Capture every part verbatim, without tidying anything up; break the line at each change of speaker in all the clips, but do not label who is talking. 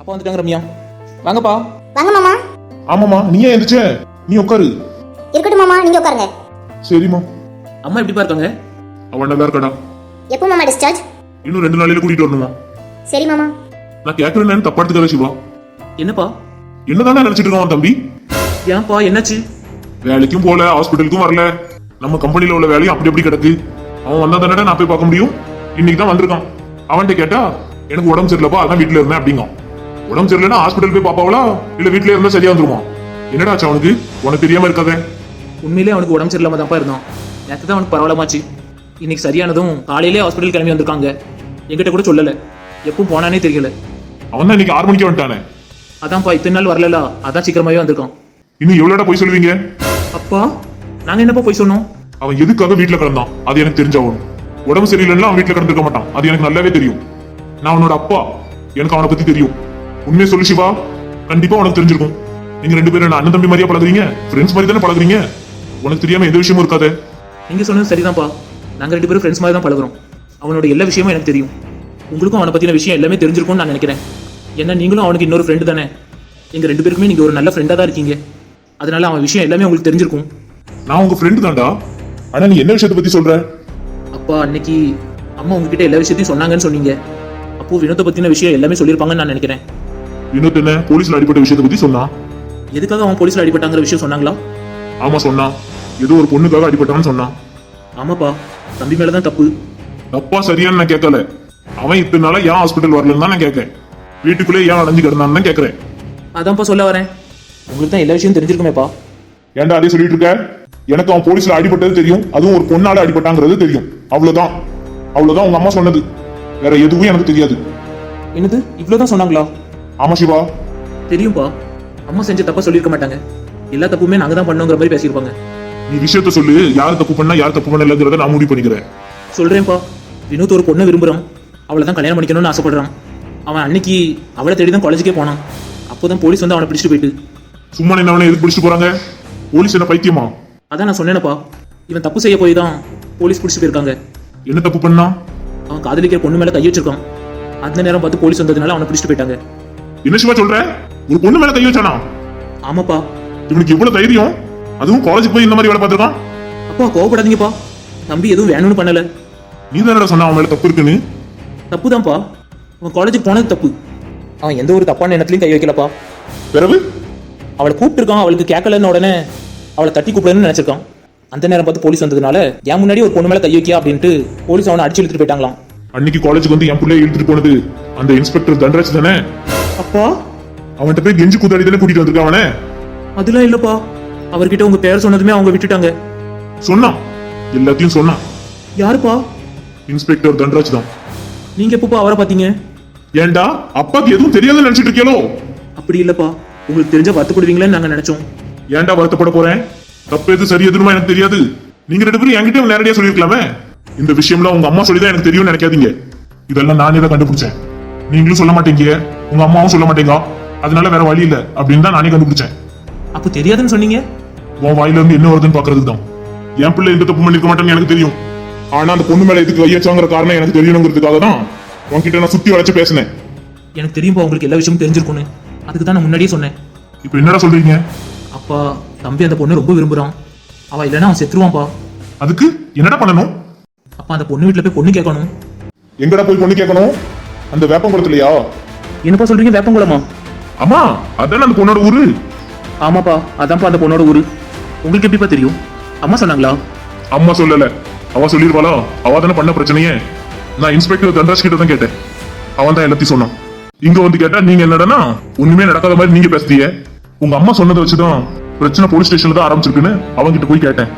அப்பா வந்துட்டாங்க ரம்யா. வாங்கப்பா.
வாங்க மாமா.
ஆமாமா, நீ ஏன் எந்திரிச்ச? நீ உட்காரு.
இருக்கட்டும் மாமா, நீங்க உட்காருங்க.
சரிம்மா.
அம்மா எப்படி இருக்காங்க?
அவன் நல்லா இருக்கடா.
எப்போ மாமா டிஸ்சார்ஜ்?
இன்னும் ரெண்டு நாளையில கூட்டிட்டு வரணுமா?
சரி மாமா.
நான் கேட்கறேன்னு தப்பா எடுத்துக்காத சிவா.
என்னப்பா?
என்னதானே நினைச்சிட்டு இருக்கான் தம்பி?
ஏன்பா என்னாச்சு?
வேலைக்கும் போல, ஹாஸ்பிட்டலுக்கும் வரல. நம்ம கம்பெனில உள்ள வேலையும் அப்படி அப்படி கிடக்கு. அவன் வந்தா தானே நான் போய் பார்க்க முடியும். இன்னைக்கு தான் வந்திருக்கான். அவன்கிட்ட கேட்டா எனக்கு உடம்பு சரியில்லப்பா, அதான் வீட்டுல இருந்தேன் அப்படிங்க. உடம்பு சரியில்லைன்னா ஹாஸ்பிட்டல் போய் பாப்பாவளா இல்ல வீட்டுல இருந்தா சரியா வந்துருமா? என்னடா ஆச்சு அவனுக்கு? உனக்கு தெரியாம இருக்காதே.
உண்மையிலே அவனுக்கு உடம்பு சரியில்லாம தான்ப்பா இருந்தான். நேற்று தான் அவனுக்கு பரவாயில்லமாச்சு. இன்னைக்கு சரியானதும் காலையிலே ஹாஸ்பிட்டல் கிளம்பி வந்திருக்காங்க. என்கிட்ட கூட சொல்லல. எப்பவும் போனானே தெரியல.
அவன் தான் இன்னைக்கு ஆறு மணிக்கு வந்துட்டானே.
அதான்ப்பா இத்தனை நாள் வரல, அதான் சீக்கிரமாவே வந்திருக்கான்.
இன்னும் எவ்வளோடா போய் சொல்லுவீங்க?
அப்பா நாங்க என்னப்பா போய் சொன்னோம்?
அவன் எதுக்காக வீட்டுல கிடந்தான் அது எனக்கு தெரிஞ்சாகணும். உடம்பு சரியில்லைன்னா அவன் வீட்டுல கிடந்திருக்க மாட்டான், அது எனக்கு நல்லாவே தெரியும். நான் அவனோட அப்பா, எனக்கு அவனை பத்தி தெரியும். உண்மையை சொல்லு சிவா, கண்டிப்பா உனக்கு தெரிஞ்சிருக்கும். நீங்க ரெண்டு பேரும் அண்ணன் தம்பி மாதிரியா பழகுறீங்க, ஃப்ரெண்ட்ஸ் மாதிரி தானே பழகுறீங்க. உனக்கு தெரியாம எந்த விஷயமும் இருக்காதே.
நீங்க சொன்னது சரிதான்ப்பா. நாங்க ரெண்டு பேரும் ஃப்ரெண்ட்ஸ் மாதிரி தான் பழகுறோம். அவனோட எல்லா விஷயமும் எனக்கு தெரியும். உங்களுக்கும் அவனை பத்தின விஷயம் எல்லாமே தெரிஞ்சிருக்கும்னு நான் நினைக்கிறேன். ஏன்னா நீங்களும் அவனுக்கு இன்னொரு ஃப்ரெண்டு தானே. எங்க ரெண்டு பேருக்குமே நீங்க ஒரு நல்ல ஃப்ரெண்டா தான் இருக்கீங்க. அதனால அவன் விஷயம் எல்லாமே உங்களுக்கு தெரிஞ்சிருக்கும்.
நான் உங்க ஃப்ரெண்டு தான்டா. ஆனா நீ என்ன விஷயத்தை பத்தி சொல்ற?
அப்பா அன்னைக்கு அம்மா உங்ககிட்ட எல்லா விஷயத்தையும் சொன்னாங்கன்னு சொன்னீங்க. அப்போ வினோத்தை பத்தின விஷயம் எல்லாமே சொல்லியிருப்பாங்கன்னு நான் நினைக்கிறேன்.
வினோத் என்ன போலீஸ்ல அடிப்பட்ட விஷயத்தை பத்தி சொன்னா?
எதுக்காக அவன் போலீஸ்ல அடிபட்டாங்கிற விஷயம் சொன்னாங்களா?
ஆமா சொன்னா. ஏதோ ஒரு பொண்ணுக்காக அடிபட்டான்னு சொன்னான்.
ஆமாப்பா, தம்பி மேலதான் தப்பு.
தப்பா சரியான்னு நான் கேட்கல. அவன் இத்தனை நாளா ஏன் ஹாஸ்பிட்டல் வரலன்னு தான் நான் கேட்கேன். வீட்டுக்குள்ளே ஏன் அடைஞ்சு கிடந்தான்னு தான் கேட்கறேன்.
அதான்ப்பா சொல்ல வரேன். உங்களுக்கு தான் எல்லா விஷயம் தெரிஞ்சிருக்குமேப்பா.
ஏன்டா அதே சொல்லிட்டு இருக்க? எனக்கு அவன் போலீஸ்ல அடிபட்டது தெரியும், அதுவும் ஒரு பொண்ணால அடிபட்டாங்கிறது தெரியும். அவ்வளவுதான். அவ்வளவுதான் உங்க அம்மா சொன்னது. வேற எதுவும் எனக்கு தெரியாது.
என்னது இவ்வளவுதான் சொன்னாங்களா?
ஆமா சிவா.
தெரியும்பா. அம்மா செஞ்ச தப்பா சொல்லியிருக்க மாட்டாங்க. எல்லா தப்புமே நாங்க தான் பண்ணோங்கிற மாதிரி பேசியிருப்பாங்க.
நீ விஷயத்த சொல்லு. யார் தப்பு பண்ணா யார் தப்பு பண்ணலங்கிறத நான் முடிவு பண்ணிக்கிறேன்.
சொல்றேன்ப்பா. வினோத் ஒரு பொண்ணை விரும்புறான். அவளை தான் கல்யாணம் பண்ணிக்கணும்னு ஆசைப்படுறான். அவன் அன்னைக்கு அவளை தேடி தான் காலேஜுக்கே போனான். அப்போதான் போலீஸ் வந்து அவனை பிடிச்சிட்டு போயிட்டு.
சும்மா என்ன அவனை எதுக்கு பிடிச்சிட்டு போறாங்க? போலீஸ் என்ன பைத்தியமா?
அதான் நான் சொன்னேனப்பா. இவன் தப்பு செய்ய போய் தான் போலீஸ் பிடிச்சிட்டு போயிருக்காங்க.
என்ன தப்பு பண்ணா?
அவன் காதலிக்கிற பொண்ணு மேல கை வச்சிருக்கான். அந்த நேரம் பார்த்து போலீஸ் வந்ததுனால அவனை பிடிச்சிட்டு போயிட்டாங்க.
என்ன சிவா சொல்ற? ஒரு பொண்ணு மேல கை வச்சானா?
ஆமாப்பா.
இவனுக்கு எவ்வளவு தைரியம்? அதுவும் காலேஜ் போய் இந்த மாதிரி வேலை பார்த்துருக்கான்.
அப்பா கோவப்படாதீங்கப்பா. தம்பி எதுவும் வேணும்னு பண்ணல.
நீ தானடா சொன்ன அவன் மேல தப்பு இருக்குன்னு.
தப்புதான்ப்பா. அவன் காலேஜுக்கு போனது தப்பு. அவன் எந்த ஒரு தப்பான எண்ணத்துலயும் கை வைக்கலப்பா.
பிறகு
அவளை கூப்பிட்டுருக்கான். அவளுக்கு கேட்கலன்னு உடனே அவளை தட்டி கூப்பிடணும்னு நினைச்சிருக்கான். அந்த நேரம் பார்த்து போலீஸ் வந்ததுனால என் முன்னாடி ஒரு பொண்ணு மேல கை வைக்கியா அப்படின்ட்டு போலீஸ் அவனை அடிச்சு இழுத்துட்டு போயிட்டாங்களாம்.
அன்னைக்கு காலேஜுக்கு வந்து என் பிள்ளைய இழுத்துட்டு போனது அந்த இன்ஸ்பெக்டர் தண்டராஜ் தானே?
அப்பா
அவன்கிட்ட போய் கெஞ்சி கூத்தாடி தானே கூட்டிட்டு வந்திருக்கான் அவனே.
அதெல்லாம் இல்லப்பா. அவர்கிட்ட உங்க பேர் சொன்னதுமே அவங்க விட்டுட்டாங்க.
சொன்னான், எல்லாத்தையும் சொன்னான்.
யாருப்பா?
இன்ஸ்பெக்டர் தண்டராஜ் தான்.
நீங்க எப்பப்பா அவரை பாத்தீங்க?
ஏண்டா அப்பாக்கு எதுவும் தெரியாதுன்னு நினைச்சிட்டு இருக்கீங்களோ?
அப்படி இல்லப்பா. உங்களுக்கு தெரிஞ்ச வருத்தப்படுவீங்களேன்னு நாங்க நினைச்சோம்.
ஏன்டா வருத்தப்பட போறேன்? தப்பு எது சரி எதுமா எனக்கு தெரியாது. நீங்க ரெண்டு பேரும் என்கிட்ட நேரடியா சொல்லிருக்கலாமே. இந்த விஷயம்லாம் உங்க அம்மா சொல்லிதான் எனக்கு தெரியும்னு நினைக்காதீங்க. இதெல்லாம் நானே தான் கண்டுபிடிச்சேன். நீங்களும் சொல்ல மாட்டீங்க, உங்க அம்மாவும் சொல்ல மாட்டேங்க. அதனால வேற வழி இல்ல அப்படின்னு தான் நானே கண்டுபிடிச்சேன்.
அப்ப தெரியாதுன்னு சொன்னீங்க?
உன் வாயில இருந்து என்ன வருதுன்னு பாக்குறதுக்கு தான். என் பிள்ளை எந்த தப்பு பண்ணிருக்க மாட்டேன்னு எனக்கு தெரியும். ஆனா அந்த பொண்ணு மேல எதுக்கு வையச்சாங்கிற காரணம் எனக்கு தெரியணுங்கிறதுக்காக தான் உன்கிட்ட நான் சுத்தி வளைச்சு பேசினேன்.
எனக்கு தெரியும்பா உங்களுக்கு எல்லா விஷயமும் தெரிஞ்சிருக்கும்னு. அதுக்கு தான் நான் முன்னாடியே சொன்னேன்.
இப்ப என்னடா சொல்றீங்க?
அப்பா தம்பி அந்த பொண்ணு ரொம்ப விரும்புறான். அவ இல்லைன்னா அவன் செத்துருவான்ப்பா.
அதுக்கு என்னடா பண்ணணும்?
அப்பா அந்த பொண்ணு வீட்டுல போய் பொண்ணு கேட்கணும்.
எங்கடா போய் பொண்ணு கேட்கணும்? அந்த வேப்பங்குளத்துலயா?
என்னப்பா சொல்றீங்க? வேப்பங்குளமா?
ஆமா, அதான அந்த பொண்ணோட ஊரு.
ஆமாப்பா, அதான்ப்பா அந்த பொண்ணோட ஊரு. உங்களுக்கு எப்படிப்பா தெரியும்? அம்மா சொன்னாங்களா?
அம்மா சொல்லல. அவ சொல்லிருவாளா? அவ தானே பண்ண பிரச்சனையே. நான் இன்ஸ்பெக்டர் தண்டராஜ் கிட்ட தான் கேட்டேன். அவன் தான் எல்லாத்தையும் சொன்னான். இங்க வந்து கேட்டா நீங்க என்னடா ஒண்ணுமே நடக்காத மாதிரி நீங்க பேசுறீங்க. உங்க அம்மா சொன்னதை வச்சுதான் பிரச்சனை போலீஸ் ஸ்டேஷன்ல தான் ஆரம்பிச்சிருக்குன்னு அவங்க கிட்ட போய் கேட்டேன்.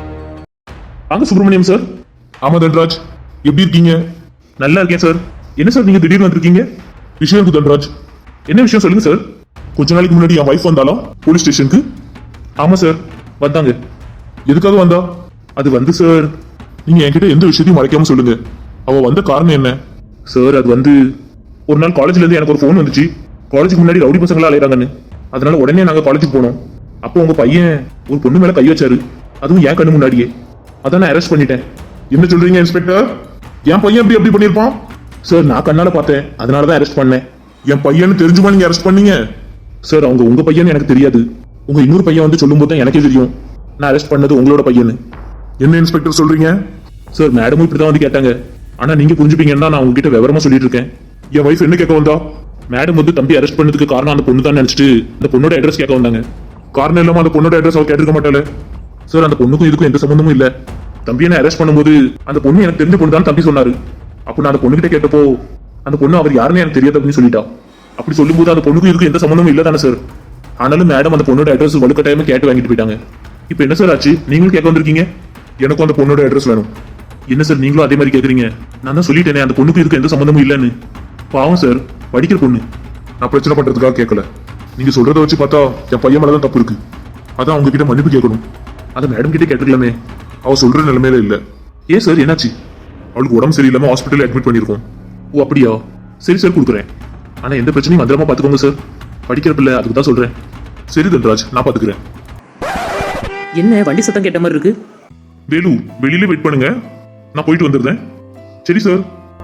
வாங்க சுப்பிரமணியம் சார்.
ஆமா தண்டராஜ், எப்படி இருக்கீங்க?
நல்லா இருக்கேன் சார். என்ன சார் நீங்க திடீர்னு வந்திருக்கீங்க?
விஷயம் இருக்கு தண்டராஜ்.
என்ன விஷயம் சொல்லுங்க சார்.
கொஞ்ச நாளைக்கு முன்னாடி என் வைஃப் வந்தாலும் போலீஸ் ஸ்டேஷனுக்கு.
ஆமா சார் வந்தாங்க.
எதுக்காக வந்தா?
அது வந்து சார்,
நீங்க என்கிட்ட எந்த விஷயத்தையும் மறைக்காம சொல்லுங்க. அவ வந்த காரணம் என்ன?
சார் அது வந்து ஒரு நாள் காலேஜ்ல இருந்து எனக்கு ஒரு ஃபோன் வந்துச்சு. காலேஜுக்கு முன்னாடி ரவுடி பசங்களா அலையறாங்கன்னு. அதனால உடனே நாங்க காலேஜுக்கு போனோம். அப்போ உங்க பையன் ஒரு பொண்ணு மேல கை வச்சாரு. அதுவும் என் கண்ணு முன்னாடியே. அதான் நான் அரெஸ்ட் பண்ணிட்டேன்.
என்ன சொல்றீங்க இன்ஸ்பெக்டர்? என் பையன் எப்படி எப்படி பண்ணிருப்பான்?
சார் நான் கண்ணால பார்த்தேன், அதனாலதான் அரெஸ்ட் பண்ணேன்.
என் பையன் தெரிஞ்சுமா நீங்க அரெஸ்ட் பண்ணீங்க?
சார் அவங்க உங்க பையன் எனக்கு தெரியாது. உங்க இன்னொரு பையன் வந்து சொல்லும்போது தான் எனக்கே தெரியும் நான் அரெஸ்ட் பண்ணது உங்களோட பையன்.
என்ன இன்ஸ்பெக்டர் சொல்றீங்க?
சார் மேடமும் இப்படிதான் வந்து கேட்டாங்க. ஆனா நீங்க புரிஞ்சுப்பீங்கன்னா நான் உங்ககிட்ட விவரமா சொல்லிட்டு இருக்கேன்.
என் வைஃப் என்ன கேட்க வந்தா?
மேடம் வந்து தம்பி அரெஸ்ட் பண்ணதுக்கு காரணம் அந்த பொண்ணு தான் நினைச்சிட்டு அந்த பொண்ணோட அட்ரஸ் கேட்க வந்தாங்க.
காரணம் இல்லாம அந்த பொண்ணோட அட்ரஸ் அவ கேட்டிருக்க மாட்டாளே.
சார் அந்த பொண்ணுக்கும் இதுக்கும் எந்த சம்பந்தமும் இல்ல. தம்பி என்ன அரெஸ்ட் பண்ணும்போது அந்த பொண்ணு எனக்கு தெரிஞ்ச பொண்ணு தான் தம்பி சொன்னாரு. அப்ப நான் அந்த பொண்ணுகிட்ட கேட்டப்போ அந்த பொண்ணு அவர் யாருன்னு எனக்கு தெரியாது அப்படின்னு சொல்லிட்டா. அப்படி சொல்லும்போது அந்த பொண்ணுக்கும் இதுக்கும் எந்த சம்பந்தமும் இல்ல தானே சார். ஆனாலும் மேடம் அந்த பொண்ணோட அட்ரஸ் வலுக்கட்டாயமா கேட்டு வாங்கிட்டு போயிட்டாங்க. இப்போ என்ன சார் ஆச்சு? நீங்களும் கேட்க வந்திருக்கீங்க.
எனக்கும் அந்த பொண்ணோட அட்ரஸ் வேணும்.
என்ன சார் நீங்களும் அதே மாதிரி கேக்குறீங்க? நான் தான் சொல்லிட்டேனே அந்த பொண்ணுக்கும் இதுக்கு எந்த சம்பந்தமும் இல்லைன்னு. பாவம் சார், படிக்கிற பொண்ணு.
நான் பிரச்சனை பண்றதுக்காக கேட்கல. நீங்க சொல்றத வச்சு பார்த்தா என் பையன் மேலதான் தப்பு இருக்கு. அதான் அவங்க கிட்ட மன்னிப்பு கேட்கணும்.
அதை மேடம் கிட்டே கேட்டுக்கலாமே.
அவ சொல்ற நிலைமையில இல்ல.
ஏன் சார் என்னாச்சு?
அவளுக்கு உடம்பு சரியில்லாம ஹாஸ்பிட்டல் அட்மிட் பண்ணிருக்கோம்.
ஓ அப்படியா? சரி சார் கொடுக்குறேன். ஆனா எந்த பிரச்சனையும் வந்துடாம பாத்துக்கோங்க சார். படிக்கிற பிள்ளை, அதுக்கு தான் சொல்றேன்.
சரி தன்ராஜ், நான் பாத்துக்கிறேன்.
என்ன வண்டி சத்தம் கேட்ட மாதிரி இருக்கு?
வேலு, வெளியில வெயிட் பண்ணுங்க, நான் போயிட்டு வந்துடுறேன். சரி சார்.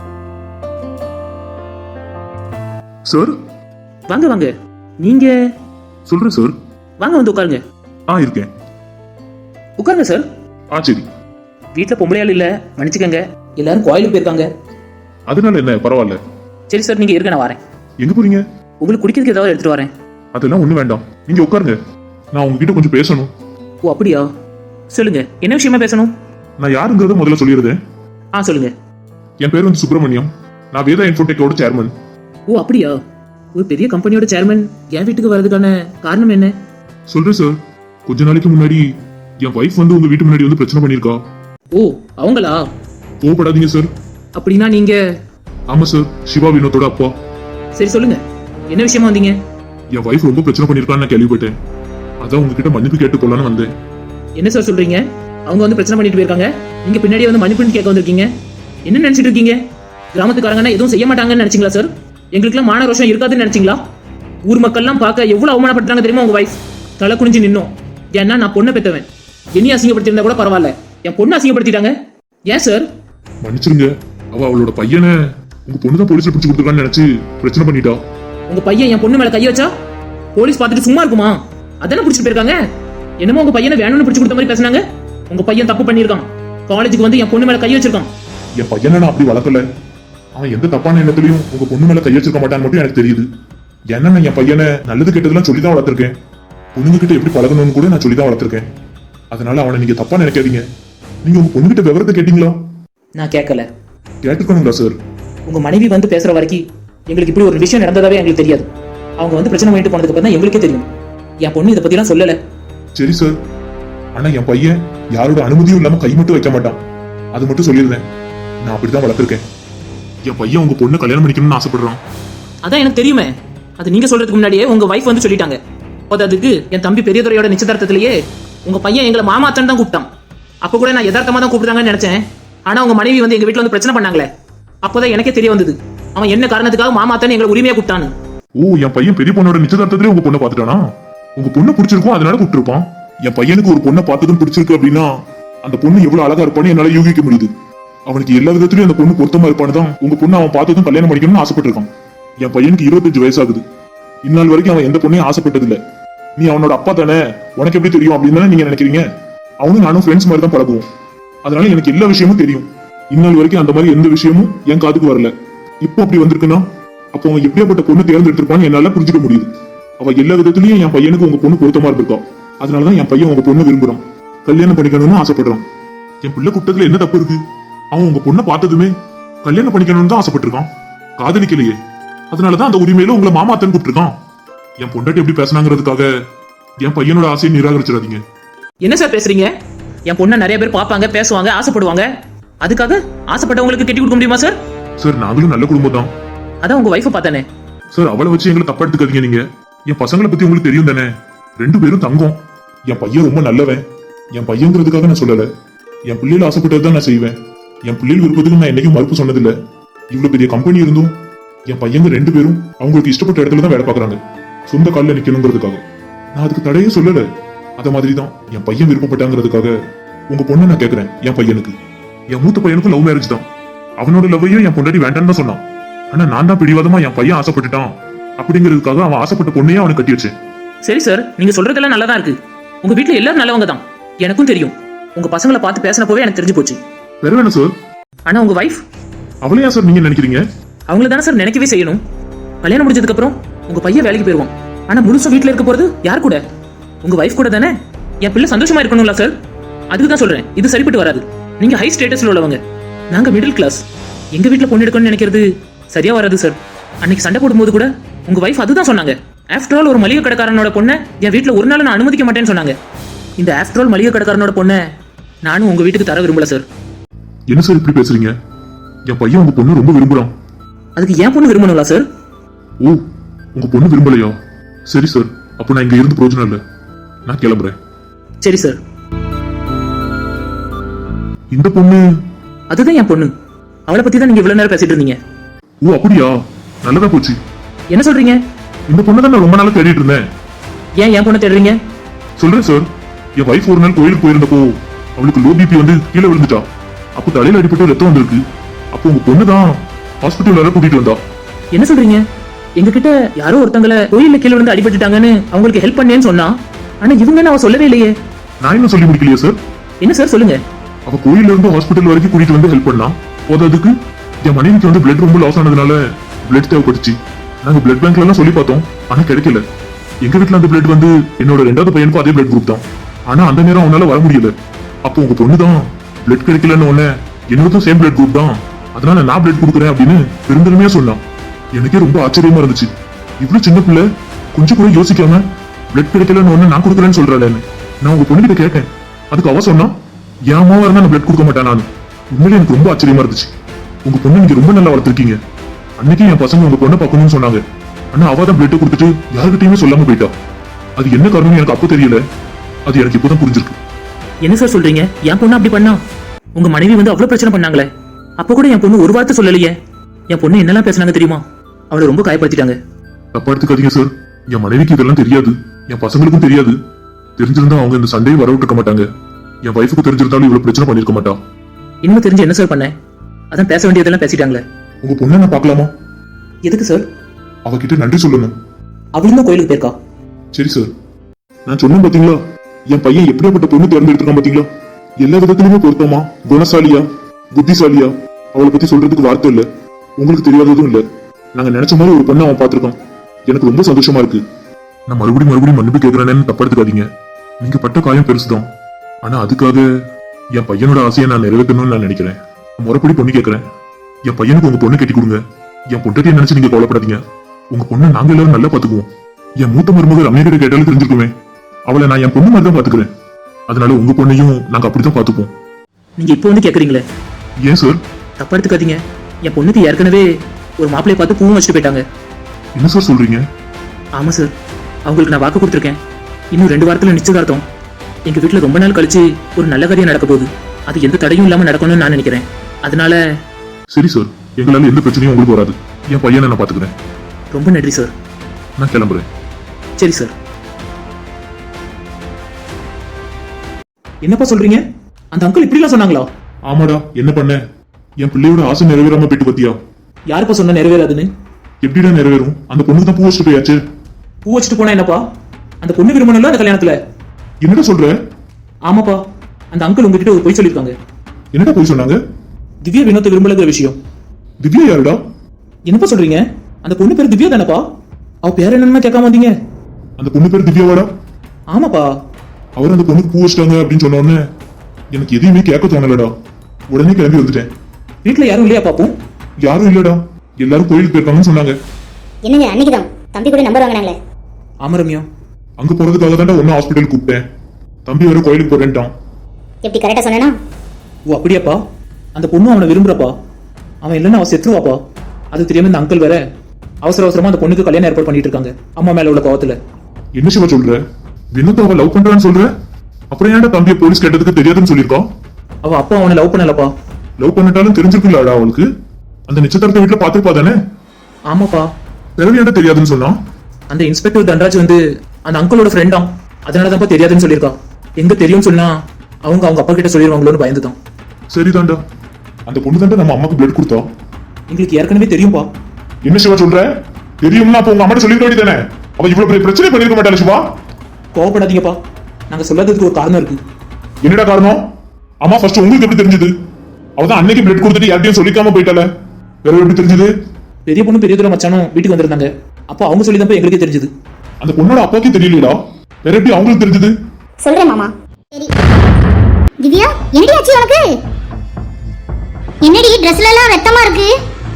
சார்
வாங்க வாங்க. நீங்க?
சொல்றேன் சார்.
வாங்க வந்து உட்காருங்க.
ஆ இருக்கேன்.
உட்காருங்க சார்.
ஆ சரி.
வீட்டில் பொம்பளையாள் இல்ல, மன்னிச்சுக்கங்க. எல்லாரும் கோயிலுக்கு போயிருக்காங்க.
அதனால என்ன, பரவாயில்ல.
சரி சார், நீங்க இருக்க, நான் வரேன்.
எங்க போறீங்க?
உங்களுக்கு குடிக்கிறதுக்கு ஏதாவது எடுத்துட்டு வரேன்.
அதெல்லாம் ஒண்ணு வேண்டாம், நீங்க உட்காருங்க. நான் உங்ககிட்ட கொஞ்சம் பேசணும்.
ஓ அப்படியா? சொல்லுங்க, என்ன விஷயமா பேசணும்?
நான் யாருங்கிறத முதல்ல சொல்லிடுறேன்.
ஆ சொல்லுங்க.
என் பேர் வந்து சுப்பிரமணியம். நான் வேதா இன்ஃபோடெக்கோட சேர்மன்.
ஓ அப்படியா? ஒரு பெரிய கம்பெனியோட சேர்மன் என் வீட்டுக்கு வர்றதுக்கான காரணம் என்ன?
சொல்றேன் சார். கொஞ்ச நாளைக்கு முன்னாடி என் வைஃப் வந்து உங்க வீட்டு முன்னாடி வந்து பிரச்சனை பண்ணிருக்கா.
ஓ அவங்களா?
கோவப்படாதீங்க சார்.
அப்படின்னா நீங்க?
ஆமா சார், சிவா வினோத்தோட அப்பா.
சரி சொல்லுங்க, என்ன விஷயமா வந்தீங்க?
என் வைஃப் ரொம்ப பிரச்சனை பண்ணிருக்கான்னு நான் கேள்விப்பட்டேன். அதான் உங்ககிட்ட மன்னிப்பு கேட்டு போலான்னு வந்தேன்.
என்ன சார் சொல்றீங்க? அவங்க வந்து பிரச்சனை பண்ணிட்டு போயிருக்காங்க, நீங்க பின்னாடியே வந்து மன்னிப்புன்னு கேட்க வந்திருக்கீங்க. என்ன நினைச்சிட்டு இருக்கீங்க? கிராமத்துக்காரங்கன்னா எதுவும் செய்ய மாட்டாங்கன்னு நினைச்சீங்களா சார்? எங்களுக்குலாம் மான ரோஷம் இருக்காதுன்னு நினைச்சீங்களா? ஊர் மக்கள்லாம் பார்க்க எவ்வளவு அவமானப்படுறாங்க தெரியுமா உங்க வைஃப்? தலை குனிஞ்சு நின்னோம். ஏன்னா நான் பொண்ணை பெற்றவன். என்னையும் அசிங்கப்படுத்திருந்தா கூட பரவாயில்ல, என் பொண்ணை அசிங்கப்படுத்திட்டாங்க. ஏன் சார்?
மன்னிச்சிருங்க. அவ அவளோட பையனை உங்க பொண்ணு தான் போலீஸ்ல பிடிச்சு கொடுத்துருக்கான்னு நினைச்சு பிரச்சனை பண்ணிட்டா.
உங்க பையன் என் பொண்ணு மேல கை வச்சா போலீஸ் பார்த்துட்டு சும்மா இருக்குமா? அதானே பிடிச்சிட்டு போயிருக்காங்க. என்னமோ உங்க பையனை வேணும்னு பிடிச்சு கொடுத்த மாதிரி பேசினாங்க. உங்க பையன் தப்பு பண்ணிருக்கான். காலேஜுக்கு வந்து என் பொண்ணு மேல கை வச்சிருக்கான்.
என் பையனை நான் அப்படி வளர்க்கல. அவன் எந்த தப்பான எண்ணத்திலையும் உங்க பொண்ணு மேல கை வச்சிருக்க மாட்டான்னு மட்டும் எனக்கு தெரியுது. ஏன்னா நான் என் பையனை நல்லது கெட்டதெல்லாம் சொல்லிதான் வளர்த்திருக்கேன். பொண்ணுங்க கிட்ட எப்படி பழகணும்னு கூட நான் சொல்லிதான் வளர்த்திருக்கேன். அதனால அவனை நீங்க தப்பா நினைக்காதீங்க. நீங்க உங்க பொண்ணுகிட்ட விவரத்தை கேட்டீங்களா?
நான் கேட்கல.
கேட்டுக்கணுங்களா சார்?
உங்க மனைவி வந்து பேசுற வரைக்கும் எங்களுக்கு இப்படி ஒரு விஷயம் நடந்ததாவே எங்களுக்கு தெரியாது. அவங்க வந்து பிரச்சனை பண்ணிட்டு போனதுக்கு அப்புறம் தான் எங்களுக்கே தெரியும். என் பொண்ணு இதை பத்திலாம் சொல்லல.
சரி சார். ஆனா என் பையன் யாரோட அனுமதியும் இல்லாம கை மட்டும் வைக்க மாட்டான். அது மட்டும் சொல்லிடுறேன். நான் அப்படிதான் வளர்த்திருக்கேன். என் பையன் உங்க பொண்ணு கல்யாணம் பண்ணிக்கணும்னு ஆசைப்படுறான்.
அதான் எனக்கு தெரியுமே. அது நீங்க சொல்றதுக்கு முன்னாடியே உங்க வைஃப் வந்து சொல்லிட்டாங்க. அதுக்கு என் தம்பி பெரியதுரையோட நிச்சயதார்த்தத்திலேயே உங்க பையன் எங்களை மாமாத்தன் தான் கூப்பிட்டான். அப்ப கூட நான் யதார்த்தமா தான் கூப்பிடுறாங்கன்னு நினைச்சேன். ஆனா உங்க மனைவி வந்து எங்க வீட்டுல வந்து பிரச்சனை பண்ணாங்களே, அப்போதான் எனக்கே தெரிய வந்தது அவன் என்ன காரணத்துக்காக மாமாத்தன் எங்களை உரிமையா கூப்பிட்டான்னு.
ஓ, என் பையன் பெரிய பொண்ணோட நிச்சயதார்த்தத்திலே உங்க பொண்ணை பாத்துட்டானா? உங்க பொண்ணு பிடிச்சிருக்கும், அதனால கூப்பிட்டுருப்பான். என் பையனுக்கு ஒரு பொண்ணை பார்த்ததும் பிடிச்சிருக்கு அப்படின்னா அந்த பொண்ணு எவ்வளவு அழகா இருப்பான்னு என்னால யூகிக்க முடியுது. அவனுக்கு எல்லா விதத்திலயும் அந்த பொண்ணு பொருத்தமா இருப்பான்னு தான் உங்க பொண்ணு அவன் பார்த்ததும் கல்யாணம் பண்ணிக்கணும்னு ஆசைப்பட்டிருக்கான். என் பையனுக்கு இருபத்தஞ்சு வயசாகுது. இந்நாள் வரைக்கும் அவன் எந்த பொண்ணையும் ஆசைப்பட்டதில்லை. நீ அவனோட அப்பா தானே, உனக்கு எப்படி தெரியும் அப்படின்னு தானே நீங்க நினைக்கிறீங்க. அவனும் நானும் ஃப்ரெண்ட்ஸ் மாதிரி தான் பழகுவோம். அதனால எனக்கு எல்லா விஷயமும் தெரியும். இந்நாள் வரைக்கும் அந்த மாதிரி எந்த விஷயமும் என் காதுக்கு வரல. இப்போ அப்படி வந்திருக்குன்னா அப்போ அவன் எப்படியாப்பட்ட பொண்ணு தேர்ந்தெடுத்திருப்பான்னு என்னால புரிஞ்சுக்க முடியுது. அவ எல்லா விதத்திலயும் என் பையனுக்கு உங்க பொண்ணு பொருத்தமா இருந்திருக்கா. அதனாலதான் என் பையன் உங்க பொண்ணு விரும்புறான், கல்யாணம் பண்ணிக்கணும்னு ஆசைப்படுறான். என் பிள்ளை கூட்டத்துல என்ன தப்பு இருக்கு? அவன் உங்க பொண்ணை பார்த்ததுமே கல்யாணம் பண்ணிக்கணும்னு தான் ஆசைப்பட்டிருக்கான், காதலிக்கலையே. அதனாலதான் அந்த உரிமையில உங்களை மாமாத்தன் கூப்பிட்டுருக்கான். என் பொண்டாட்டி எப்படி பேசினாங்கிறதுக்காக என் பையனோட ஆசையை நிராகரிச்சிடாதீங்க.
என்ன சார் பேசுறீங்க? என் பொண்ணை நிறைய பேர் பார்ப்பாங்க, பேசுவாங்க, ஆசைப்படுவாங்க. அதுக்காக ஆசைப்பட்டவங்களுக்கு கட்டி கொடுக்க முடியுமா சார்?
சார், நாங்களும் நல்ல குடும்பம் தான்.
அதான் உங்க வைஃபை பார்த்தானே.
சார், அவளை வச்சு எங்களை தப்பா எடுத்துக்காதீங்க. நீங்க என் பசங்களை பத்தி உங்களுக்கு தெரியும் தானே. ரெண்டு பேரும் தங்கம். என் பையன் ரொம்ப நல்லவன். என் பையங்கிறதுக்காக நான் சொல்லல. என் பிள்ளைகள் ஆசைப்பட்டதுதான் நான் செய்வேன். என் பிள்ளைகள் விருப்பத்துக்கு நான் என்னைக்கும் மறுப்பு சொன்னதில்லை. இவ்வளவு பெரிய கம்பெனி இருந்தும் என் பையங்க ரெண்டு பேரும் அவங்களுக்கு இஷ்டப்பட்ட இடத்துல தான் வேலை பார்க்கறாங்க, சொந்த காலில் நிக்கணுங்கிறதுக்காக. நான் அதுக்கு தடையே சொல்லல. அத மாதிரிதான் என் பையன் விருப்பப்பட்டாங்கிறதுக்காக உங்க பொண்ணை நான் கேட்கிறேன். என் பையனுக்கு, என் மூத்த பையனுக்கும் லவ் மேரேஜ் தான். அவனோட லவ்வையும் என் பொண்டாட்டி வேண்டான்னு தான் சொன்னான். ஆனா நான் தான் பிடிவாதமா என் பையன் ஆசைப்பட்டுட்டான், அப்படிங்கிறதுக்காக அவன் ஆசைப்பட்ட பொண்ணையே அவனுக்கு கட்டி வச்சேன்.
சரி சார், நீங்க சொல்றதெல்லாம் நல்லா தான் இருக்கு. உங்க வீட்ல எல்லாரும் நல்லவங்க தான், எனக்கும் தெரியும். உங்க பசங்களை பார்த்து பேசினப்போவே எனக்கு தெரிஞ்சு போச்சு.
வேற வேணும் சார்.
ஆனா உங்க வைஃப்,
அவளையா சார் நீங்க நினைக்கிறீங்க?
அவங்கள தானே சார் நினைக்கவே செய்யணும். கல்யாணம் முடிஞ்சதுக்கு அப்புறம் உங்க பையன் வேலைக்கு போயிருவான். ஆனா முழுசும் வீட்ல இருக்க போறது யார் கூட? உங்க வைஃப் கூட தானே. என் பிள்ளை சந்தோஷமா இருக்கணும்ல சார், அதுக்கு தான் சொல்றேன். இது சரிப்பட்டு வராது. நீங்க ஹை ஸ்டேட்டஸ்ல உள்ளவங்க, நாங்க மிடில் கிளாஸ். எங்க வீட்ல பொண்ணு எடுக்கணும்னு நினைக்கிறது சரியா வராது சார். அன்னைக்கு சண்டை போடும்போது கூட உங்க வைஃப் அதுதான் சொன்னாங்க. ஆஃப்டர் ஆல் ஒரு மளிகை கடைக்காரனோட பொண்ணை என் வீட்ல ஒரு நாள் நான் அனுமதிக்க மாட்டேன்னு சொன்னாங்க. இந்த ஆஃப்டர் ஆல் மளிகை கடைக்காரனோட பொண்ணை நானும் உங்க வீட்டுக்கு தர விரும்பல சார்.
என்ன சார் இப்படி பேசுறீங்க? என் பையன் உங்க பொண்ணு ரொம்ப விரும்புறான்.
அதுக்கு ஏன் பொண்ணு விரும்பணுங்களா சார்?
ஓ, உங்க பொண்ணு விரும்பலையா? சரி சார், அப்ப நான் இங்க இருந்து பிரயோஜனம் இல்ல, நான் கிளம்புறேன்.
சரி சார்.
இந்த பொண்ணு
அதுதான் என் பொண்ணு. அவளை பத்தி தான் நீங்க இவ்வளவு நேரம் பேசிட்டு இருந்தீங்க.
ஓ அப்படியா, நல்லதா போச்சு.
என்ன சொல்றீங்க?
இந்த பொண்ணு தான் நான் ரொம்ப நாளா தேடிட்டு இருந்தேன்.
ஏன் என் பொண்ணை தேடுறீங்க?
சொல்றேன் சார், என் வைஃப் ஒரு நாள் கோயிலுக்கு போயிருந்தப்போ அவளுக்கு லோ பிபி வந்து கீழே விழுந்துட்டா. அப்போ தலையில அடிபட்டு ரத்தம் வந்திருக்கு. அப்போ உங்க பொண்ணு தான் ஹாஸ்பிட்டல் வர கூட்டிட்டு வந்தா.
என்ன சொல்றீங்க? எங்க கிட்ட யாரோ ஒருத்தங்களை கோயில்ல கீழே விழுந்து அடிபட்டுட்டாங்கன்னு அவங்களுக்கு ஹெல்ப் பண்ணேன்னு சொன்னா, ஆனா இவங்க அவ சொல்லவே இல்லையே.
நான் இன்னும் சொல்லி முடிக்கலையே சார்.
என்ன சார் சொல்லுங்க.
அவ கோயில்ல இருந்து ஹாஸ்பிட்டல் வரைக்கும் கூட்டிட்டு வந்து ஹெல்ப் பண்ணா. போதாதுக்கு என் மனைவிக்கு வந்து பிளட் ரொம்ப லாஸ் ஆனதுனால பிளட் தேவைப்பட்டுச்சு. நாங்க பிளட் பேங்க்ல எல்லாம் சொல்லி பார்த்தோம், ஆனா கிடைக்கல. எங்க வீட்டுல அந்த பிளட் வந்து என்னோட ரெண்டாவது பையனுக்கும் அதே பிளட் குரூப் தான். ஆனா அந்த நேரம் அவனால வர முடியல. அப்போ உங்க பொண்ணு தான் பிளட் கிடைக்கலன்னு உடனே என்னோட சேம் பிளட் குரூப் தான், அதனால நான் பிளட் கொடுக்குறேன் அப்படின்னு பெருந்தன்மையா சொன்னான். எனக்கே ரொம்ப ஆச்சரியமா இருந்துச்சு. இவ்வளவு சின்ன பிள்ளை கொஞ்சம் கூட யோசிக்காம பிளட் கிடைக்கலன்னு ஒண்ணு நான் கொடுக்குறேன்னு சொல்றாளேன்னு நான் உங்க பொண்ணு கிட்ட கேட்டேன். அதுக்கு அவ சொன்னா, என் அம்மாவா இருந்தா நான் பிளட் கொடுக்க மாட்டேன். நான் உண்மையிலே எனக்கு ரொம்ப ஆச்சரியமா இருந்துச்சு. உங்க பொண்ணு நீங்க ரொம்ப நல்லா வளர்த்திருக்கீங்க. அன்னைக்கு என் பசங்க உங்க பொண்ணை பார்க்கணும்னு சொன்னாங்க, ஆனா அவ தான் பிளட் கொடுத்துட்டு யாருக்கிட்டையுமே சொல்லாம போயிட்டா. அது என்ன காரணம் எனக்கு அப்போ தெரியல, அது எனக்கு இப்போதான் புரிஞ்சிருக்கு.
என்ன சார் சொல்றீங்க? என் பொண்ணு அப்படி பண்ணா? உங்க மனைவி வந்து அவ்வளவு பிரச்சனை பண்ணாங்களே, அப்ப கூட என் பொண்ணு ஒரு வார்த்தை சொல்லலையே. என் பொண்ணு என்னெல்லாம் பேசினாங்க தெரியுமா? அவளை ரொம்ப காயப்படுத்திட்டாங்க.
தப்பா எடுத்துக்காதீங்க சார். என் மனைவிக்கு இதெல்லாம் தெரியாது, என் பசங்களுக்கும் தெரியாது. தெரிஞ்சிருந்தா அவங்க இந்த சண்டையை வர விட்டுருக்க மாட்டாங்க. என் வைஃபுக்கு தெரிஞ்சிருந்தாலும் இவ்வளவு பிரச்சனை பண்ணிருக்க மாட்டா.
இன்னும் தெரிஞ்சு என்ன சார் பண்ண? அதான் பேச வேண்டியதெல்லாம் பேசிட்டாங்களே.
உங்க பொண்ணை நான் பார்க்கலாமா?
எதுக்கு சார்?
அவகிட்ட நன்றி சொல்லணும்.
அவளும் தான் கோயிலுக்கு போயிருக்கா.
சரி சார், நான் சொன்னேன் பாத்தீங்களா, என் பையன் எப்படியாப்பட்ட பொண்ணு தேர்ந்தெடுத்திருக்கான் பாத்தீங்களா? எல்லா விதத்திலுமே பொருத்தமா, குணசாலியா, புத்திசாலியா, அவளை பத்தி சொல்றதுக்கு வார்த்தை இல்ல. உங்களுக்கு தெரியாததும் இல்ல. நாங்க நினைச்ச மாதிரி ஒரு பொண்ணை அவன் பாத்துருக்கான். எனக்கு ரொம்ப சந்தோஷமா இருக்கு. நான் மறுபடியும் மறுபடியும் மன்னிப்பு கேட்கிறேன்னு தப்பா எடுத்துக்காதீங்க. நீங்க பட்ட காயம் பெருசுதான், ஆனா அதுக்காக என் பையனோட ஆசையை நான் நிறைவேற்றணும்னு நான் நினைக்கிறேன். முறைப்படி பொண்ணு கேட்கிறேன். என் பையனுக்கு உங்க பொண்ணு கட்டி கொடுங்க. என் பொண்டாட்டியை நினைச்சு நீங்க கவலைப்படாதீங்க. உங்க பொண்ணை நாங்க எல்லாரும் நல்லா பாத்துக்குவோம். என் மூத்த மருமக ரம்யா கிட்ட கேட்டாலும் தெரிஞ்சுக்குமே, அவளை நான் என் பொண்ணு மாதிரி தான் பாத்துக்கிறேன். அதனால உங்க பொண்ணையும் நாங்க அப்படிதான் பாத்துப்போம்.
நீங்க இப்போ வந்து கேக்குறீங்களே?
ஏன் சார்?
தப்பா எடுத்துக்காதீங்க. என் பொண்ணுக்கு ஏற்கனவே ஒரு மாப்பிளைய பார்த்து பூவும் வச்சுட்டு போயிட்டாங்க.
என்ன சார் சொல்றீங்க?
ஆமா சார், அவங்களுக்கு நான் வாக்கு கொடுத்துருக்கேன். இன்னும் ரெண்டு வாரத்துல நிச்சயதார்த்தம். எங்க வீட்டுல ரொம்ப நாள் கழிச்சு ஒரு நல்ல காரியம் நடக்க போகுது. அது எந்த தடையும் இல்லாம நடக்கணும்னு நான் நினைக்கிறேன். அதனால
சரி சார், எங்களால எந்த பிரச்சனையும் உங்களுக்கு வராது. என் பையனை நான் பாத்துக்கிறேன்.
ரொம்ப நன்றி சார்.
நான் கிளம்புறேன்.
சரி சார். என்னப்பா சொல்றீங்க? அந்த அங்கிள் இப்படிலாம் சொன்னாங்களா?
ஆமாடா, என்ன பண்ண? என் பிள்ளையோட ஆசை நிறைவேறாம போயிட்டு பத்தியா?
யாருப்பா சொன்னா நிறைவேறாதுன்னு?
எப்படிடா நிறைவேறும்? அந்த பொண்ணுக்கு தான் பூ வச்சுட்டு போயாச்சு.
பூ வச்சுட்டு போனா என்னப்பா? அந்த பொண்ணு விரும்பணும்ல அந்த கல்யாணத்துல.
என்னடா சொல்ற?
ஆமாப்பா, அந்த அங்கிள் உங்ககிட்ட ஒரு பொய் சொல்லிருக்காங்க.
என்னடா போய் சொன்னாங்க?
திவ்யா வினோத்தை விரும்பலங்கிற விஷயம்.
திவ்யா யாருடா?
என்னப்பா சொல்றீங்க? அந்த பொண்ணு பேர் திவ்யா தானப்பா? அவ பேர் என்னன்னு கேட்காம வந்தீங்க.
அந்த பொண்ணு பேர் திவ்யாவாடா?
ஆமாப்பா.
அவர் அந்த பொண்ணுக்கு பூ வச்சிட்டாங்க அப்படின்னு சொன்ன உடனே எனக்கு எதையுமே கேட்க தோணலடா. உடனே கிளம்பி வந்துட்டேன்.
வீட்டுல யாரும் இல்லையா பாப்போம்?
யாரும் இல்லடா, எல்லாரும் கோயிலுக்கு போயிருக்காங்கன்னு சொன்னாங்க.
என்னங்க அன்னைக்குதான் தம்பி கூட நம்பர் வாங்கினாங்களே.
ஆமா ரம்யா,
அங்க போறதுக்காக தான்டா ஒன்னும் ஹாஸ்பிட்டல் கூப்பிட்டேன். தம்பி வர கோயிலுக்கு போறேன்ட்டான்.
எப்படி கரெக்டா சொன்னா?
ஓ அப்படியாப்பா? அந்த பொண்ணு அவனை விரும்புறப்பா. அவன் இல்லைன்னா அவன் செத்துருவாப்பா. அது தெரியாம இந்த அங்கிள் வேற அவசர அவசரமா அந்த பொண்ணுக்கு கல்யாணம் ஏற்பாடு பண்ணிட்டு இருக்காங்க, அம்மா மேல உள்ள கோவத்துல.
என்ன சிவா சொல்ற? வினோத் அவ லவ் பண்றான்னு சொல்ற? அப்புறம் ஏன்டா தம்பியை போலீஸ் கேட்டதுக்கு தெரியாதுன்னு சொல்லிருக்கான்?
அவ அப்பா அவனை லவ் பண்ணலப்பா.
லவ் பண்ணிட்டாலும் தெரிஞ்சிருக்குல்லடா அவளுக்கு. அந்த நிச்சயதார்த்த வீட்டுல பாத்துருப்பா தானே?
ஆமாப்பா.
பிறகு ஏன்டா தெரியாதுன்னு சொன்னான்?
அந்த இன்ஸ்பெக்டர் தன்ராஜ் வந்து அந்த அங்கிளோட ஃப்ரெண்டாம், அதனாலதான்ப்பா தெரியாதுன்னு சொல்லியிருக்கா. எங்க தெரியும்னு சொன்னா அவங்க அவங்க அப்பா கிட்ட சொல்லிடுவாங்களோன்னு பயந்துதான்.
சரிதான்டா, அந்த பொண்ணு தாண்டா நம்ம அம்மாக்கு பிளட் கொடுத்தா.
எங்களுக்கு ஏற்கனவே தெரியும்பா.
என்ன சிவா சொல்ற? தெரியும்னா அப்ப உங்க அம்மா சொல்லிருக்க வேண்டியதானே. அவ இவ்வளவு பெரிய பிரச்சனை பண்ணிருக்க மாட்டாளா சிவா?
கோவப்படாதீங்கப்பா, நாங்க சொல்லாததுக்கு ஒரு காரணம் இருக்கு.
என்னடா காரணம்? அம்மா ஃபர்ஸ்ட் உங்களுக்கு எப்படி தெரிஞ்சது? அவதான் அன்னைக்கு பிளட் கொடுத்துட்டு யார்ட்டையும் சொல்லிக்காம போயிட்டால, வேற எப்படி தெரிஞ்சது?
பெரிய பொண்ணு பெரிய தூரம் மச்சானும் வீட்டுக்கு வந்திருந்தாங்க. அப்போ அவங்க சொல்லி தான் எங்களுக்கே தெரிஞ்சது.
அந்த பொண்ணோட அப்பாவுக்கே தெரியலடா, வேற எப்படி அவங்களுக்கு தெரிஞ்சது?
சொல்றேன் மாமா. சரி திவ்யா, என்னடி ஆச்சு உனக்கு? என்னடி ட்ரெஸ்ல எல்லாம் ரத்தமா இருக்கு?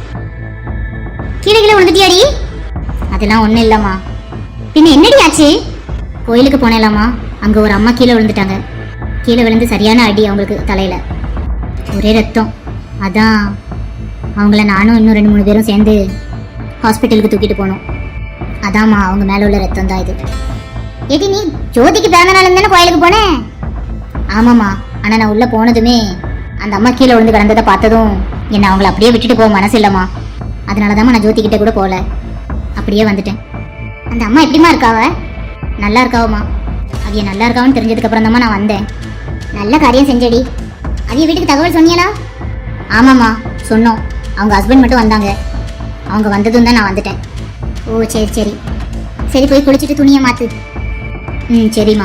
கீழே கீழே விழுந்துட்டியாடி? அதெல்லாம் ஒண்ணும் இல்லம்மா. பின்ன என்னடி ஆச்சு? கோயிலுக்கு போனேலாமா, அங்க ஒரு அம்மா கீழே விழுந்துட்டாங்க. கீழே விழுந்து சரியான அடி அவங்களுக்கு தலையில, ஒரே ரத்தம். அதான் அவங்கள நானும் இன்னும் ரெண்டு மூணு பேரும் சேர்ந்து ஹாஸ்பிட்டலுக்கு தூக்கிட்டு போனோம். அதாம்மா அவங்க மேல உள்ள ரத்தம் தான் இது. ஏடி நீ ஜோதிக்கு பிறந்த நாள் தானே கோயிலுக்கு போனேன்? ஆமாம்மா, ஆனா நான் உள்ள போனதுமே அந்த அம்மா கீழே விழுந்து கிடந்ததை பார்த்ததும் என்ன அவங்கள அப்படியே விட்டுட்டு போக மனசு இல்லம்மா. அதனாலதாம்மா நான் ஜோதி கிட்ட கூட போகல, அப்படியே வந்துட்டேன். அந்த அம்மா எப்படிமா இருக்காவ? நல்லா இருக்காவம்மா. அவிய நல்லா இருக்காவன்னு தெரிஞ்சதுக்கு அப்புறம் தாம்மா நான் வந்தேன். நல்ல காரியம் செஞ்சடி. அவிய வீட்டுக்கு தகவல் சொன்னியலா? ஆமாம்மா சொன்னோம். அவங்க ஹஸ்பண்ட் மட்டும் வந்தாங்க, அவங்க வந்ததும் தான் நான் வந்துட்டேன். ஓ சரி சரி சரி, போய் குளிச்சுட்டு துணியை மாத்து. ம் சரிம்மா.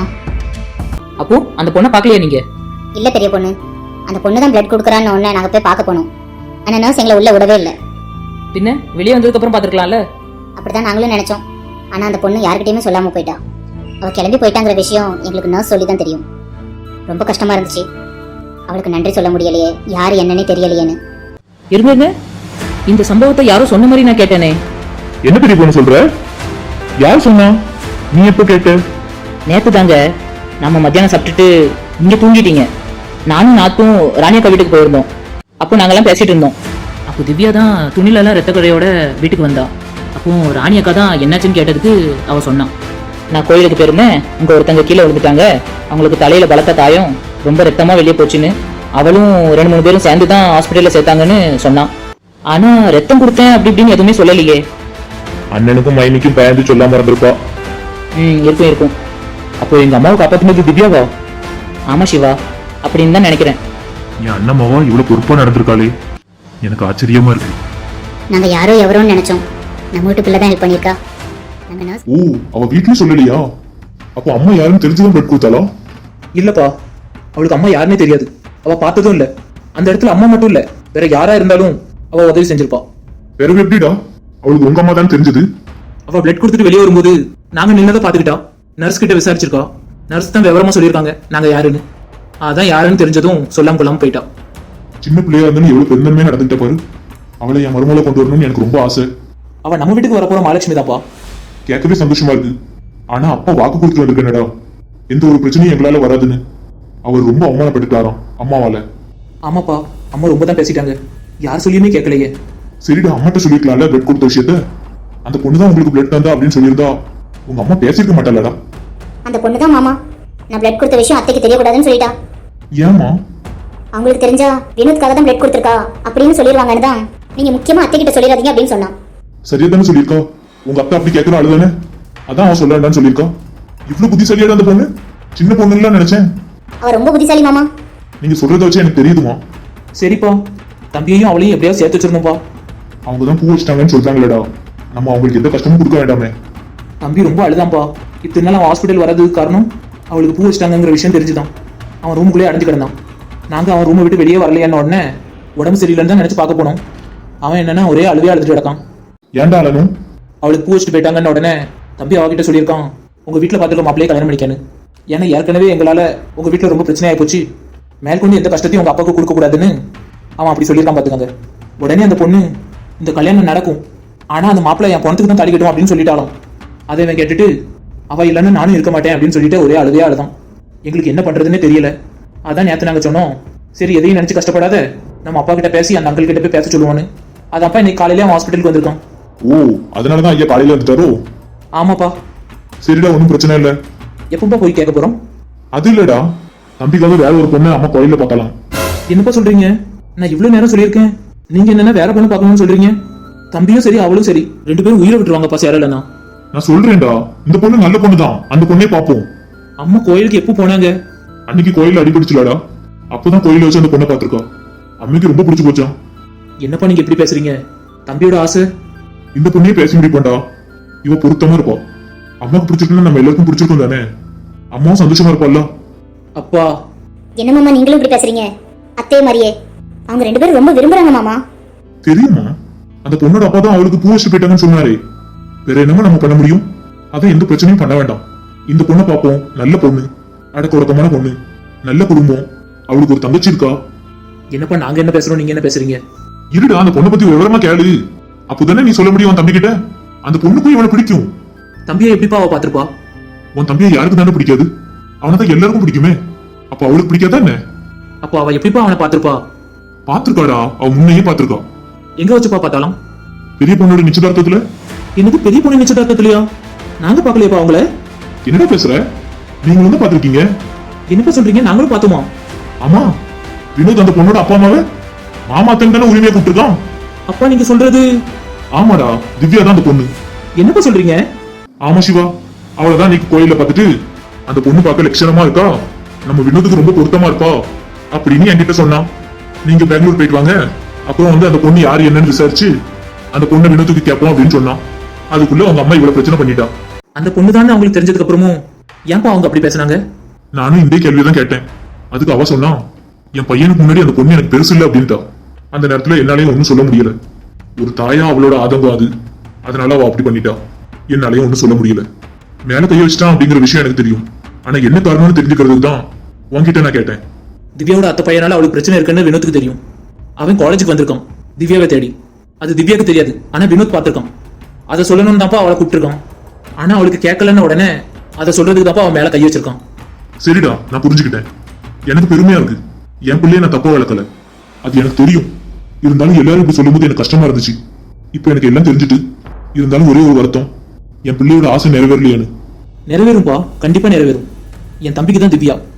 அப்போ அந்த பொண்ணை பார்க்கலையா நீங்க?
இல்லை பெரிய பொண்ணு, அந்த பொண்ணு தான் பிளட் கொடுக்குறான்னு ஒன்று நாங்கள் போய் பார்க்க போனோம். ஆனால் நர்ஸ் எங்களை உள்ள விடவே இல்லை.
பின்ன வெளியே வந்ததுக்கு அப்புறம் பார்த்துருக்கலாம்ல.
அப்படிதான் நாங்களும் நினைச்சோம். ஆனால் அந்த பொண்ணு யார்கிட்டயுமே சொல்லாமல் போயிட்டா. அவள் கிளம்பி போயிட்டாங்கிற விஷயம் எங்களுக்கு நர்ஸ் சொல்லி தான் தெரியும். ரொம்ப கஷ்டமா இருந்துச்சு. அவளுக்கு நன்றி சொல்ல முடியலையே, யார் என்னன்னே தெரியலையேன்னு.
இருங்க, இந்த சம்பவத்தை யாரும் சொன்ன மாதிரி நான் கேட்டேனே.
என்ன பெரிய பொண்ணு சொல்ற? யார் சொன்னா? நீ எப்ப கேட்ட?
நேத்து தாங்க, நம்ம மத்தியானம் சாப்பிட்டுட்டு இங்க தூங்கிட்டீங்க. நானும் நாத்தும் ராணியக்கா வீட்டுக்கு போயிருந்தோம். அப்போ நாங்கெல்லாம் பேசிட்டு இருந்தோம். அப்போ திவ்யா தான் துணிலெல்லாம் ரத்த கடையோட வீட்டுக்கு வந்தா. அப்போ ராணியக்கா தான் என்னாச்சுன்னு கேட்டதுக்கு அவ சொன்னான், நான் கோயிலுக்கு போயிருந்தேன், அங்க ஒருத்தங்க கீழே விழுந்துட்டாங்க, அவங்களுக்கு தலையில பலத்த காயம், ரொம்ப ரத்தமா வெளியே போச்சுன்னு. அவளும் ரெண்டு மூணு பேரும் சேர்ந்து தான் ஹாஸ்பிட்டல்ல சேர்த்தாங்கன்னு சொன்னான். ஆனா ரத்தம் கொடுத்தேன் அப்படி இப்படின்னு எதுவுமே சொல்லலையே.
அண்ணனுக்கும் மைனிக்கும் பயந்து சொல்லாம இருந்திருப்பா.
ம் இருக்கும் இருக்கும்.
அப்போ எங்க அம்மாவை காப்பாத்தினது திவ்யாவா?
ஆமா சிவா, அப்படின்னு தான் நினைக்கிறேன்.
என் அண்ணம்மாவா இவ்வளவு பொறுப்பா நடந்திருக்காளே, எனக்கு ஆச்சரியமா இருக்கு.
நாங்கள் யாரோ எவரோன்னு நினைச்சோம். நம்ம வீட்டு பிள்ளை தான் ஹெல்ப் பண்ணியிருக்கா. நாங்கள் நர்ஸ்.
ஓ, அவ வீட்லயும் சொல்லலையா? அப்போ அம்மா யாருன்னு தெரிஞ்சுதான் பிளட் கொடுத்தாளா?
இல்லப்பா, அவளுக்கு அம்மா யாருன்னே தெரியாது. அவ பார்த்ததும் இல்ல. அந்த இடத்துல அம்மா மட்டும் இல்ல, வேற யாரா இருந்தாலும் அவ உதவி செஞ்சிருப்பா.
வேற எப்படிடா அவளுக்கு உங்க அம்மா தான் தெரிஞ்சது?
அவ பிளட் கொடுத்துட்டு வெளியே வரும்போது நாங்க நின்னதை பாத்துக்கிட்டா. நர்ஸ் கிட்ட விசாரிச்சிருக்கா. நர்ஸ் தான் விவரமா சொல்லியிருக்காங்க நாங்க யாருன்னு. அதான் யாருன்னு தெரிஞ்சதும் சொல்லாம கொள்ளாம போயிட்டா.
சின்ன பிள்ளையா இருந்தாலும் எவ்வளவு பெருந்தன்மையா நடந்துட்ட பாரு. அவளை என் மருமகளை கொண்டு வரணும்னு எனக்கு ரொம்ப ஆசை.
அவ நம்ம வீட்டுக்கு வரப்போற மகாலட்சுமி தான்ப்பா.
கேட்கவே சந்தோஷமா இருக்கு. ஆனா அப்பா வாக்கு கொடுத்து வந்திருக்கேனடா, எந்த ஒரு பிரச்சனையும் எங்களால வராதுன்னு. அவர் ரொம்ப அவமானப்பட்டுட்டாராம் அம்மாவால.
ஆமாப்பா, அம்மா ரொம்ப தான் பேசிட்டாங்க. யார் சொல்லியுமே கேட்கலையே.
சரிடா, அம்மாட்ட சொல்லிருக்கலாம்ல பிளட் கொடுத்த விஷயத்த. அந்த பொண்ணு தான் உங்களுக்கு பிளட் தந்தா அப்படின்னு சொல்லியிருந்தா உங்க அம்மா பேசிருக்க மாட்டாளடா.
அந்த பொண்ணு தான் மாமா, நான் பிளட் கொடுத்த விஷயம் அத்தைக்கு தெரியக்கூடாதுன்னு சொல்லிட்டா.
ஏமா?
அவங்களுக்கு தெரிஞ்சா வினோத்காக தான் பிளட் கொடுத்துருக்கா அப்படின்னு சொல்லிடுவாங்கன்னு தான் நீங்க முக்கியமா அத்தை கிட்ட சொல்லிடாதீங்க அப்படின்னு சொன்னான்.
சரியா தானே சொல்லியிருக்கா? உங்க அக்கா அப்படி கேட்கற ஆளுதானே, அதான் அவன் சொல்ல வேண்டாம்னு சொல்லியிருக்கா. இவ்வளவு புத்திசாலியாடா அந்த பொண்ணு. சின்ன பொண்ணுன்னு நினைச்சேன்.
அவ ரொம்ப புத்திசாலி மாமா.
நீங்க சொல்றத வச்சு எனக்கு தெரியுதுமா.
சரிப்பா, தம்பியையும் அவளையும் எப்படியாவது சேர்த்து வச்சிருந்தோம்ப்பா.
அவங்க தான் பூ வச்சிட்டாங்கன்னு சொல்றாங்களேடா, நம்ம அவங்களுக்கு எந்த கஷ்டமும் கொடுக்க வேண்டாமே.
தம்பி ரொம்ப அழுதான்ப்பா. இத்தனை நாள் அவன் ஹாஸ்பிட்டல் வர்றதுக்கு காரணம் அவளுக்கு பூ வச்சிட்டாங்கிற விஷயம் தெரிஞ்சுதான். அவன் ரூமுக்குள்ளே அடைஞ்சு கிடந்தான். நாங்கள் அவன் ரூமை விட்டு வெளியே வரலையான்னு உடனே உடம்பு சரியில்லைன்னு தான் நினச்சி பார்க்க போனோம். அவன் என்னன்னா ஒரே அழுவே அழுதுட்டு கிடக்கான்.
ஏன்டா அழனும்?
அவளுக்கு பூ வச்சுட்டு போயிட்டாங்கன்னு உடனே தம்பி அவகிட்ட சொல்லியிருக்கான், உங்கள் வீட்டில் பார்த்துக்க மாப்பிளையே கல்யாணம் பண்ணிக்கணும். ஏன்னா ஏற்கனவே எங்களால் உங்கள் வீட்டில் ரொம்ப பிரச்சனையாகி போச்சு, மேற்கொண்டு எந்த கஷ்டத்தையும் உங்கள் அப்பாவுக்கு கொடுக்கக்கூடாதுன்னு அவன் அப்படி சொல்லியிருக்கான் பார்த்துக்கங்க. உடனே அந்த பொண்ணு இந்த கல்யாணம் நடக்கும், ஆனால் அந்த மாப்பிள்ளை என் பணத்துக்கு தான் தாலி கட்டும் அப்படின்னு சொல்லிட்டாலும். அதை இவன் கேட்டுட்டு அவள் இல்லைன்னு நானும் இருக்க மாட்டேன் அப்படின்னு சொல்லிட்டு ஒரே அழுதே அழுதான். எங்களுக்கு என்ன பண்ணுறதுன்னே தெரியல. அதான் நேற்று நாங்கள் சொன்னோம், சரி எதையும் நினச்சி கஷ்டப்படாத, நம்ம அப்பா கிட்ட பேசி அந்த அங்கிள் கிட்ட போய் பேச சொல்லுவான்னு. அது அப்பா இன்னைக்கு காலையிலே அவன் ஹாஸ்பிட்டலுக்கு வந்திருக்கான்.
ஓ, அதனாலதான் ஐயா காலையில வந்துட்டாரோ?
ஆமாப்பா.
சரிடா, ஒன்றும் பிரச்சனை இல்லை.
எப்பப்பா போய் கேட்க போகிறோம்?
அது இல்லடா, தம்பிக்காக வேற ஒரு பொண்ணு அம்மா கோயில பார்க்கலாம்.
என்னப்பா சொல்றீங்க? நான் இவ்வளவு நேரம் சொல்லியிருக்கேன், நீங்க என்னன்னா வேற பொண்ணு பார்க்கணும்னு சொல்றீங்க. தம்பியும் சரி அவளும் சரி ரெண்டு பேரும் உயிரை விட்டுருவாங்கப்பா சேரலண்ணா.
நான் சொல்றேன்டா, இந்த பொண்ணு நல்ல பொண்ணு தான், அந்த பொண்ணே பார்ப்போம்.
அம்மா கோயிலுக்கு எப்போ போனாங்க?
அன்னைக்கு கோயில அடிபிடிச்சுலாடா, அப்பதான் கோயில வச்சு அந்த பொண்ணை பார்த்திருக்கா. அம்மைக்கு ரொம்ப பிடிச்சு போச்சான்.
என்னப்பா நீங்க எப்படி பேசுறீங்க? தம்பியோட ஆசை
இந்த பொண்ணையே பேசி முடிப்போண்டா. இவ பொருத்தமா இருப்பா. அம்மாவுக்கு பிடிச்சிருக்குன்னா நம்ம எல்லாருக்கும் பிடிச்சிருக்கும் தானே. அம்மாவும் சந்தோஷமா இருப்பாள்ல.
அப்பா
என்ன மாமா நீங்களும் இப்படி பேசுறீங்க? அத்தைய மாதிரியே அவங்க ரெண்டு பேரும் ரொம்ப விரும்புறாங்க மாமா.
தெரியுமா, அந்த பொண்ணோட அப்பா தான் அவளுக்கு பூ வச்சு போயிட்டாங்கன்னு சொன்னாரே. வேற என்னமா நம்ம பண்ண முடியும்? அதான் எந்த பிரச்சனையும் பண்ண வேண்டாம். இந்த பொண்ணை பார்ப்போம், நல்ல பொண்ணு, அடக்க ஒடுக்கமான பொண்ணு, நல்ல குடும்பம், அவளுக்கு ஒரு தங்கச்சி இருக்கா.
என்னப்பா நாங்க என்ன பேசுறோம், நீங்க என்ன பேசுறீங்க?
இருடா, அந்த பொண்ணை பத்தி விவரமா கேளு. அப்போதானே நீ சொல்ல முடியும் உன் தம்பி கிட்ட. அந்த பொண்ணுக்கும் இவனை பிடிக்கும்.
தம்பியை எப்படிப்பா அவ பாத்திருப்பா?
உன் தம்பியை யாருக்கு தானே பிடிக்காது? அவனை தான் எல்லாருக்கும் பிடிக்குமே. அப்ப அவளுக்கு பிடிக்காதா என்ன?
அப்போ அவ எப்படிப்பா அவனை பாத்திருப்பா?
பாத்திருக்காடா, அவ முன்னையே பாத்திருக்கா.
எங்க வச்சுப்பா பார்த்தாலும்?
பெரிய பொண்ணோட நிச்சயதார்த்தத்துல.
எனக்கு பெரிய பொண்ணு நிச்சயதார்த்தத்திலயா? நாங்க பாக்கலையப்பா அவங்கள.
என்னடா பேசுற? நீங்க வந்து பாத்திருக்கீங்க?
என்னப்பா சொல்றீங்க? நாங்களும் பார்த்தோமா?
ஆமா, வினோத் அந்த பொண்ணோட அப்பா அம்மாவை மாமாத்தன் தானே உரிமையா கூப்பிட்டுருக்கான்.
அப்பா நீங்க சொல்றது?
ஆமாடா, திவ்யா தான் அந்த பொண்ணு.
என்னப்பா சொல்றீங்க?
ஆமா சிவா, அவளதான் நீ கோயில பார்த்துட்டு அந்த பொண்ணு பார்க்க லட்சணமா இருக்கா, நம்ம வினோத்துக்கு ரொம்ப பொருத்தமா இருப்பா அப்படின்னு என்கிட்ட சொன்னான். நீங்க பெங்களூர் போயிட்டு வாங்க, அப்புறம் வந்து அந்த பொண்ணு யாரு என்னன்னு விசாரிச்சு அந்த பொண்ணை வினோத்துக்கு கேட்போம் அப்படின்னு சொன்னான். அதுக்குள்ள அவங்க அம்மா இவ்வளவு பிரச்சனை பண்ணிட்டா.
அந்த பொண்ணு தான் அவங்களுக்கு தெரிஞ்சதுக்கு அப்புறமும் ஏன்பா அவங்க அப்படி பேசுனாங்க?
நானும் இந்த கேள்விதான் கேட்டேன். அதுக்கு அவ சொன்னா, என் பையனுக்கு முன்னாடி அந்த பொண்ணு எனக்கு பெருசு இல்லை அப்படின்ட்டா. அந்த நேரத்துல என்னாலையும் ஒன்னும் சொல்ல முடியல. ஒரு தாயா அவளோட ஆதங்கம் அது, அதனால அவ அப்படி பண்ணிட்டா. என்னாலையும் ஒன்னும் சொல்ல முடியல. மேல கைய வச்சிட்டான் அப்படிங்கிற விஷயம் எனக்கு தெரியும். ஆனா என்ன காரணம்னு தெரிஞ்சுக்கிறதுக்கு தான் உன்கிட்ட நான் கேட்டேன்.
திவ்யாவோட அத்தை பையனால அவளுக்கு பிரச்சனை இருக்குன்னு வினோத்துக்கு தெரியும். அவன் காலேஜுக்கு வந்திருக்கான் திவ்யாவை தேடி. அது திவ்யாவுக்கு தெரியாது, ஆனா வினோத் பார்த்திருக்கான். அதை சொல்லணும்னு தான்ப்பா அவளை கூப்பிட்டுருக்கான். ஆனா அவளுக்கு கேட்கலன்னு உடனே அதை சொல்றதுக்கு தான்ப்பா அவன் மேல கை வச்சிருக்கான்.
சரிடா, நான் புரிஞ்சுக்கிட்டேன். எனக்கு பெருமையா இருக்கு. என் பிள்ளைய நான் தப்பா வளர்க்கல, அது எனக்கு தெரியும். இருந்தாலும் எல்லாரும் இப்படி சொல்லும்போது எனக்கு கஷ்டமா இருந்துச்சு. இப்ப எனக்கு எல்லாம் தெரிஞ்சுட்டு, இருந்தாலும் ஒரே ஒரு வருத்தம், என் பிள்ளையோட ஆசை நிறைவேறலையானு.
நிறைவேறும்பா, கண்டிப்பா நிறைவேறும். என் தம்பிக்கு தான் திவ்யா.